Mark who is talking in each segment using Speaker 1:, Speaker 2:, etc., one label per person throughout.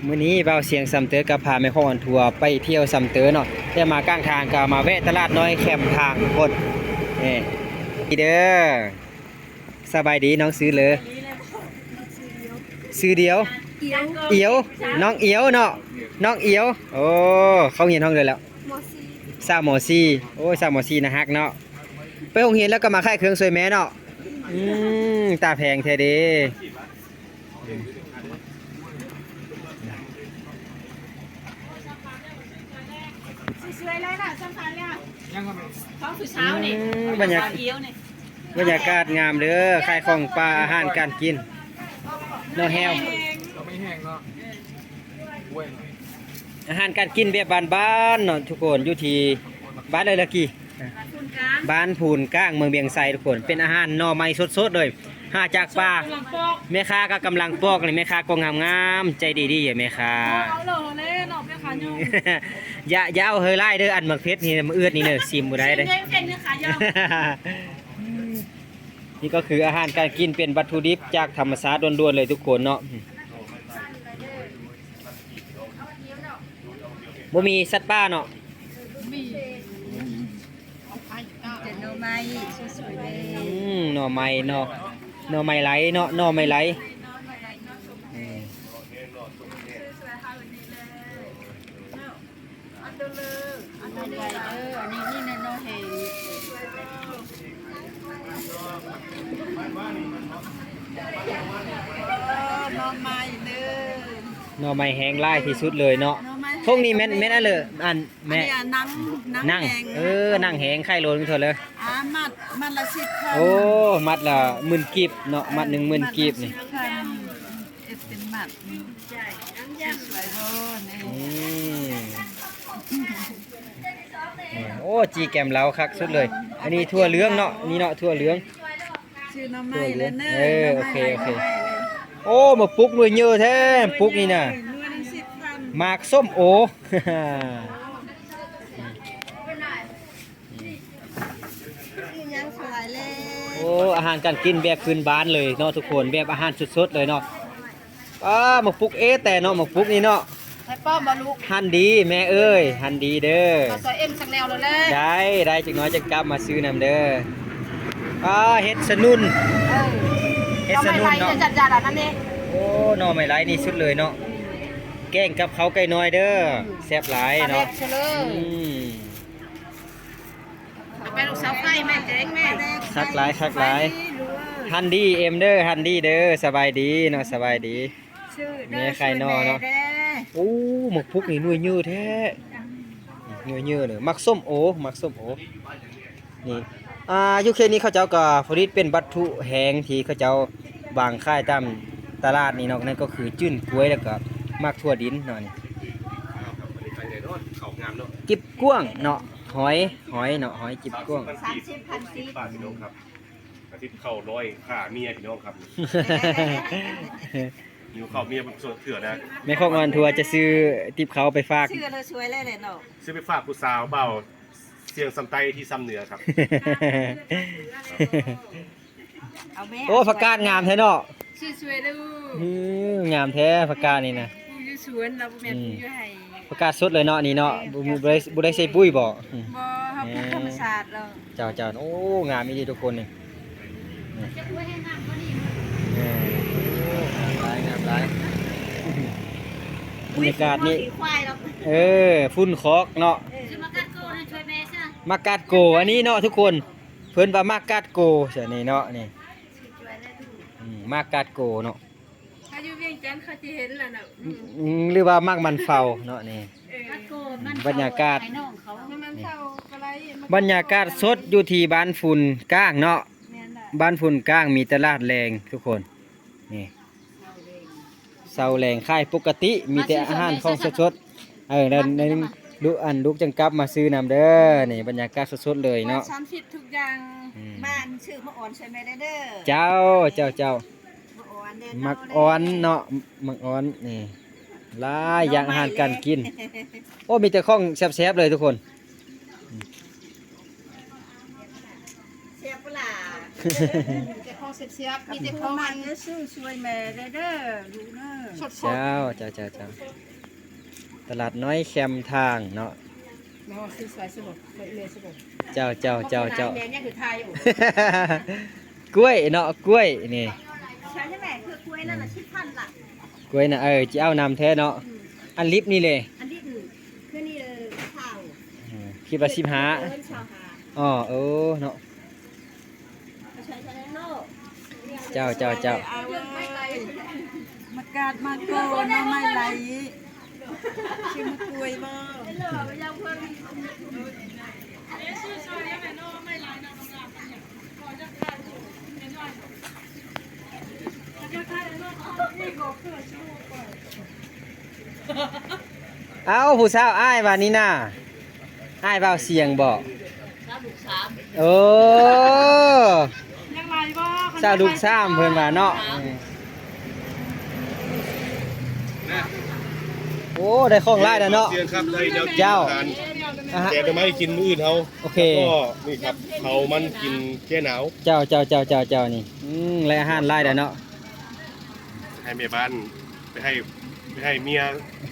Speaker 1: มื้อนี้เบาเสียงสำเตอกับพาแม่ข้องอันทัวร์ไปเที่ยวสำเตอเนาะแต่มากลางทางก็มาแวะตลาดน้อยแคมป์ทางทุกคนนี่เด้อสบายดีน้องซื้อเลยซื้อเดียวเอียวน้องเอียวเนาะน้องเอียวโอ้เขาเรียนห้องเลยแล้วสาวหมอซีโอ้สาวหมอซีนะฮักเนาะไปโรงเรียนแล้วก็มาค่ายเครื่องสวยแม่เนาะตาแพงแท้เด้
Speaker 2: สวยเลยล่ะสำคัญเนี่ยท้องคือเช้านี่
Speaker 1: บรรยากาศงามเด้อขายของปลาอาหารการกินเนาะแฮว
Speaker 3: ไม่แห้งเนาะ
Speaker 1: อาหารการกินแบบบ้านๆเนาะทุกคนอยู่ที่บ้านเลยละกี่บ้านพูนก้างเมืองเบียงไซทุกคนเป็นอาหารหน่อไม้สดๆเลยหาจากป่าแม่ค้าก็กำลังปอกเลยแม่ค้าก็งามๆใจดีๆอย่าแม่ค้า
Speaker 2: เอาเลยหนอกแม่ค้าโยม
Speaker 1: อย่าเอาเฮยไล่เด้ออันหมักเพชรนี่มันเอื้อนี่เด้อซิมบ่ได้เด้อนี่ก็คืออาหารการกินเป็นวัตถุดิบจากธรรมชาติล้วนๆเลยทุกคนเนาะบ่มีสัตว์ป่าเนาะ
Speaker 2: หน่อไม้สวยๆเลย
Speaker 1: หน่อไม้เนาะหน่อไม้ไหลเนาะหน่อไม้ไหล
Speaker 2: อันนี้นี่นะน้องเฮน้องไม้เด้อ
Speaker 1: หน่อไม้แห้งไล่ที่สุดเลยเนาะพวกนี้แม่นอะไรอันแม่นั่งนั่งแห้งไข่โลนกันเถอะเลย
Speaker 2: มัดละ10,000
Speaker 1: โอ้มัดละ10,000กีบเนาะมัด10,000กีบนี่
Speaker 2: เป็นมัดสวยๆ
Speaker 1: โอ้จีแกมเราคักสุดเลยอันนี้ทั่วเหลืองเนาะนี่เนาะทั่วเหลือง
Speaker 2: ชื่อน้ำไม้เลยเน
Speaker 1: อะโอเคโอ้มาปุกหน่วยเยอะแท้ปุกนี่น่ะหมากส้มโอโอ้อาหารการกินแบบพื้นบ้านเลยเนาะทุกคนแบบอาหารสดๆเลยเนาะหมกปุกแต่เนาะหมกปุกนี่เนาะ
Speaker 2: ให้ป้อมบอลูก
Speaker 1: หันดีแม่เอ้ยหันดีเด้อ
Speaker 2: ซอยเอ็มสักแนวเลย
Speaker 1: ได้จักน้อยจะกลับมาซื้อนำเด้อเฮ็ดสนุนเฮ็ดสนุนเนาะ
Speaker 2: จัดๆนั่นเอง
Speaker 1: โอ้หน่อไม้ไร้นี่สุดเลยเนาะแกงกับเขาไก่น้อยเด้อแซ่บหลายเนาะ
Speaker 2: แม่ลูกสาวไข่แม่เจ๊งแม่
Speaker 1: คักหลายฮันดี้เอ็มเด้อฮันดี้เด้อสบายดีเนาะสบายดีแม่ไข่นอเนาะโอ้หมกพุกนี่หน่วยเยอะแท้หน่วยเยอะเลยมักส้มโอนี่ยุคนี้เขาเจ้าก็ผลิตเป็นวัตถุแห้งที่เขาเจ้าบางค่ายตามตลาดนี่เนาะนั่นก็คือจื้นกล้วยแล้วก็มักทั่วดินเนาะนี่จิบก้วงเนาะหอยเนาะหอยจิบก้วง
Speaker 3: 30,000 บาทพี่น้องครับอาทิตย์เข้า100ค่าเมียพี่น้องครับอยู่เข้าเมียมันสดเถื่อนะ
Speaker 1: แม่ข้องอันทัวจะซื้อติบเขาไปฝาก
Speaker 2: ชื่อเราสวยเลยเนาะ
Speaker 3: ซื้อไปฝากผู้สาวเบาเสียงสำไตที่ซ้ำเหนือครับ
Speaker 1: โอ้ผักกาดงามแท้เนาะ
Speaker 2: ชื่อสวยดู
Speaker 1: งามแท้ผักกาดนี่นะ
Speaker 2: อยู่สวนเราแม่ปลูกอยู่ให้
Speaker 1: ผักกาดสดเลยเนาะนี่เนาะบ่ได้ใส่ปุ๋ยบ่
Speaker 2: ครับธรรมชาติเรา
Speaker 1: เจ้าโอ้งามอีทุกคนนี่
Speaker 2: จะกล้วยให้งามก็ดี
Speaker 1: งามหลายบรรยากาศนี่ฝุ่นคอกเนาะมากาดโกอันนี้เนาะทุกคนเพิ่นว่ามากาดโกเสียนี่เนาะนี่มากาดโกเนาะ
Speaker 2: ถ้าอยู่เวียงจันทร์เขาจะเห็นแล้วเนา
Speaker 1: ะหรือว่ามากมันเฝ้าเนาะนี่บรรยากาศบรรยากาศสดอยู่ที่บ้านฝุ่นก้างเนาะบ้านฝุ่นก้างมีตลาดแรงทุกคนนี่เสาแรงค่ายปกติมีแต่อาหารของสดในลูกจังกับมาซื้อนำเด้อนี่บรรยากาศสดๆเลยเนาะ
Speaker 2: ฉันผิดทุกอย่างบ้านชื่อมะอ่อนใช่ไหมเด้อ
Speaker 1: เจ้ามักอ่อนเนาะมักอ่อนนี่หลายอย่างอาหารการกินโอ้มีแต่ของแซ่บๆเลยทุกคน
Speaker 2: แซ่บปะล่ะ
Speaker 1: แ
Speaker 2: เสียบมีแต่ของมันซื้อช่วยแม่เด้อลูกเด้อสด
Speaker 1: เจ้าตลาดน้อยแคมทางเนาะ
Speaker 2: ๆน้องซื้อสวยสดเลยสด
Speaker 1: เจ้า
Speaker 2: แม่เนี่ยคือไทยอยู่
Speaker 1: กล้วยเนาะกล้วยนี่
Speaker 2: ใช่ไหมคือกล้วยนั่นน่ะ10,000ล่ะ
Speaker 1: กล้วยน่ะจะเอานำแท้เนาะอันลิฟต์นี่เลย
Speaker 2: อันที่อื่นคือนี่ข้าว
Speaker 1: คิดว่า15
Speaker 2: ชาวหา
Speaker 1: อ๋อเนาะ
Speaker 2: ใช้โลก
Speaker 1: เจ้า
Speaker 2: เอาเลยมากาดมาโกนไม่ไหลชิมกล้วยบ่
Speaker 1: เอาผู้สาวอ้ายว่านี่น่ะอ้ายเว้าเสียงบอกโอ้
Speaker 2: ยังไงบ่
Speaker 1: สาวลูกซ้ำเพิ่นว่าเนาะโอ้ได้ของหลายแล้วเนาะ
Speaker 3: เสียงครับได้แนว
Speaker 1: เจ้า
Speaker 3: ทานแกงหน่อไม้กินมื้ออื่นเฮา
Speaker 1: โอเค
Speaker 3: ก็นี่ครับเขามันกินแก้หนาว
Speaker 1: เจ้านี่และอาหารหลายแล้วเนาะ
Speaker 3: ให้แม่บ้านไปให้เมีย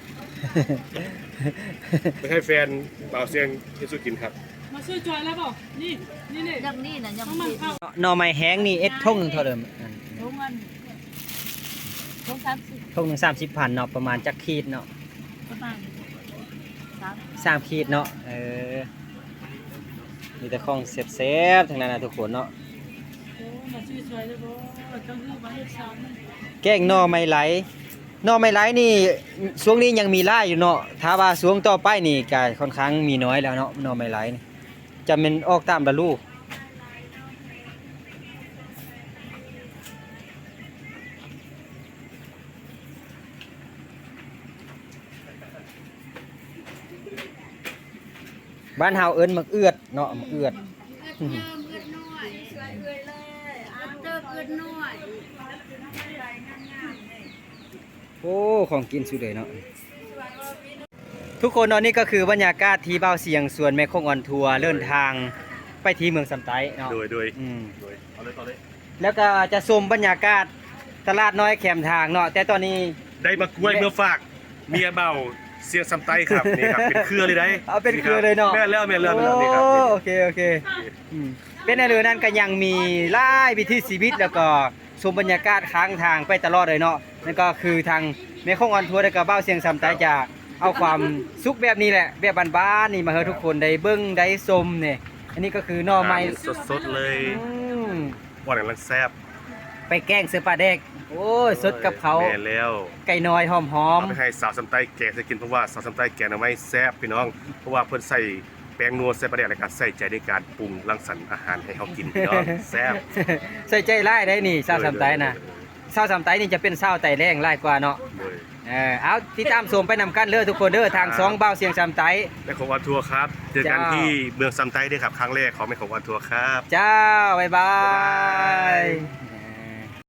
Speaker 3: ไปให้แฟนบ่าวเสียงที่สุดกินครับ
Speaker 2: มาช่วยจอยแล้วบ่นี่ยังนี่น่ะยังมันเข้า
Speaker 1: หน่อไม้แห้งนี่ทงหนึงเท่าเดิม
Speaker 2: ทุกวันทุก30
Speaker 1: ทงหนึง30,000เนาะประมาณจักขีดเนาะ
Speaker 2: ประมาณ
Speaker 1: 3ขีดเนาะมีแต่ของแซ่บๆทั้งนั้นนะทุกคนเนาะ
Speaker 2: โอ้มาช่วยจอยแล้วบ่ต้องฮือมาเฮ็ดซ้ำ
Speaker 1: แกงหน่อไม้ไหลหน่อไม้ไหลนี่ช่วงนี้ยังมีหลายอยู่เนาะถ้าว่าช่วงต่อไปนี่ก็ค่อนข้างมีน้อยแล้วเนาะหน่อไม้ไหลนี่จะเป็นออกตามฤดูบ้านเฮาเอิ้นมักเอือดเนาะมักเอือด
Speaker 2: เอื้อน้อยสวยเอื้อเลยเอาเติบเอื้อน้อย
Speaker 1: โอ้ของกินสุดเลยเนาะทุกคนเนาะนี่ก็คือบรรยากาศที่เบ้าเสียงสวนแม่คงออนทัวร์เดินทางไปที่เมืองสำไตเนาะ
Speaker 3: โดย
Speaker 1: เอาเลย
Speaker 3: เลย
Speaker 1: แล้วก็จะชมบรรยากาศตลาดน้อยแคมทางเนาะแต่ตอนนี้
Speaker 3: ได้มากล้วยเมื่อฝากเมียเบาเสียงสำไตครับนี่ครับเป็นเครือเลยได้
Speaker 1: เอาเป็นเครือเลยเนาะ
Speaker 3: แม่นแล้วนี่ครับ
Speaker 1: โอเคเป็นในเรือนั้นก็ยังมีหลายวิถีชีวิตแล้วก็ชมบรรยากาศค้างทางไปตลอดเลยเนาะนั่นก็คือทางแม่คงออนทัวร์และก็เบ้าเสียงสำไตจะเอาความสุขแบบนี้แหละแบบบ้านๆนี่มาให้ทุกคนได้เบิ่งได้ชมเนี่ยอันนี้ก็คือหน่อไม้
Speaker 3: สดๆเลย
Speaker 1: อืม
Speaker 3: หวานกำลังแซ่บ
Speaker 1: ไปแกงเสือปลาแดกโอ้ยสดกับเขา
Speaker 3: แม่นแล้ว
Speaker 1: ไก่น้อยหอม
Speaker 3: เอาไปให้สาวสำไตแกงใส่กินเพราะว่าสาวสำไตแกงหน่อไม้แซ่บพี่น้องเพราะว่าเพิ่นใส่แป้งนัวใส่ปลาแดกในการใส่ใจในการปรุงรังสรรค์อาหารให้เฮากินพี่น้องแซ่บ
Speaker 1: ใส่ใจไล่ได้นี่ซาวสามไตนะซาวสามไตนี่จะเป็นซาวไตแรงไล่กว่าเนาะ
Speaker 3: โดย
Speaker 1: เอาติดตามชมไปนำกันเด้อทุกคนเด้อทางสองเบ้าเสียงสามไต
Speaker 3: แม่ของวันทัวร์ครับเจอกัน
Speaker 1: เจ้า
Speaker 3: ที่เมืองซัมไต้ด้วยครับครั้งแรกของแม่ของวันทัวร์ครับ
Speaker 1: เจ้าบ๊ายบาย